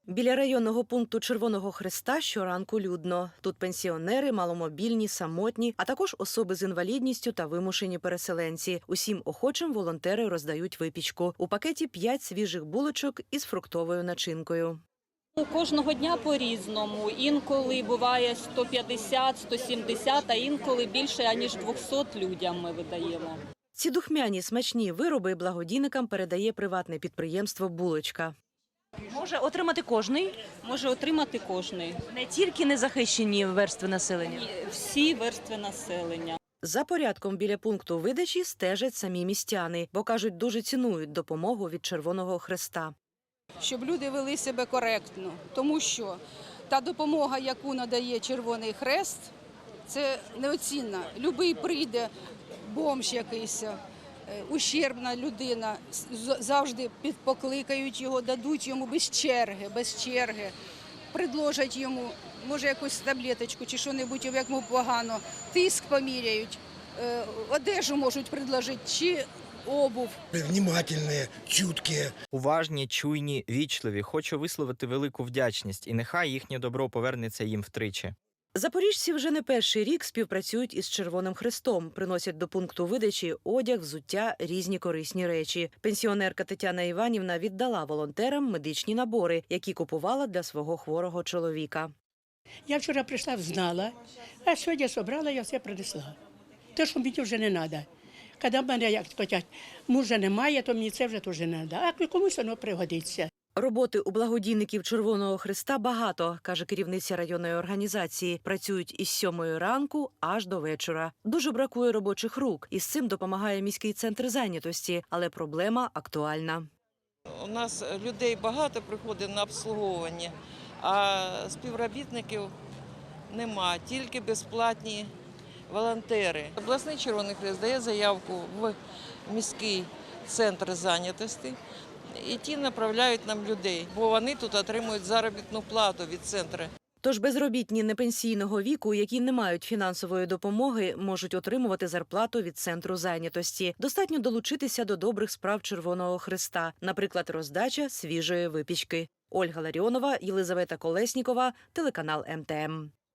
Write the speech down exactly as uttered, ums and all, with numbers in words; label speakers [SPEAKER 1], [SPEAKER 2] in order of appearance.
[SPEAKER 1] Біля районного пункту Червоного Хреста щоранку людно. Тут пенсіонери, маломобільні, самотні, а також особи з інвалідністю та вимушені переселенці. Усім охочим волонтери роздають випічку. У пакеті п'ять свіжих булочок із фруктовою начинкою.
[SPEAKER 2] Кожного дня по-різному. Інколи буває сто п'ятдесят - сто сімдесят, а інколи більше, аніж двохсот людям ми видаємо.
[SPEAKER 1] Ці духмяні смачні вироби благодійникам передає приватне підприємство «Булочка».
[SPEAKER 3] Може отримати кожний?
[SPEAKER 2] Може отримати кожний.
[SPEAKER 3] Не тільки незахищені верстви населення.
[SPEAKER 2] Всі верстви населення.
[SPEAKER 1] За порядком біля пункту видачі стежать самі містяни, бо, кажуть, дуже цінують допомогу від Червоного Хреста.
[SPEAKER 4] Щоб люди вели себе коректно, тому що та допомога, яку надає Червоний Хрест, це неоцінна. Любий прийде, бомж якийсь, ущербна людина, завжди підпокликають його, дадуть йому без черги, без черги, предложать йому, може, якусь таблеточку чи що-небудь, як йому погано, тиск поміряють, одежу можуть предложити, чи обув.
[SPEAKER 5] Внимательні, чуткі.
[SPEAKER 6] Уважні, чуйні, вічливі. Хочу висловити велику вдячність, і нехай їхнє добро повернеться їм втричі.
[SPEAKER 1] Запоріжці вже не перший рік співпрацюють із Червоним Хрестом. Приносять до пункту видачі одяг, взуття, різні корисні речі. Пенсіонерка Тетяна Іванівна віддала волонтерам медичні набори, які купувала для свого хворого чоловіка.
[SPEAKER 7] Я вчора прийшла, знала, а сьогодні зібрала, я все принесла. Те, що мені вже не треба. Коли в мене, як кажуть, мужа немає, то мені це вже теж не треба. А комусь воно пригодиться.
[SPEAKER 1] Роботи у благодійників Червоного Хреста багато, каже керівниця районної організації. Працюють із сьомої ранку аж до вечора. Дуже бракує робочих рук. Із цим допомагає міський центр зайнятості, але проблема актуальна.
[SPEAKER 8] У нас людей багато приходить на обслуговування, а співробітників нема, тільки безплатні волонтери. Обласний Червоний Хрест дає заявку в міський центр зайнятості, і ті направляють нам людей, бо вони тут отримують заробітну плату від центру.
[SPEAKER 1] Тож безробітні непенсійного віку, які не мають фінансової допомоги, можуть отримувати зарплату від центру зайнятості. Достатньо долучитися до добрих справ Червоного Хреста, наприклад, роздача свіжої випічки. Ольга Ларіонова, Єлизавета Колеснікова, телеканал ем те ем.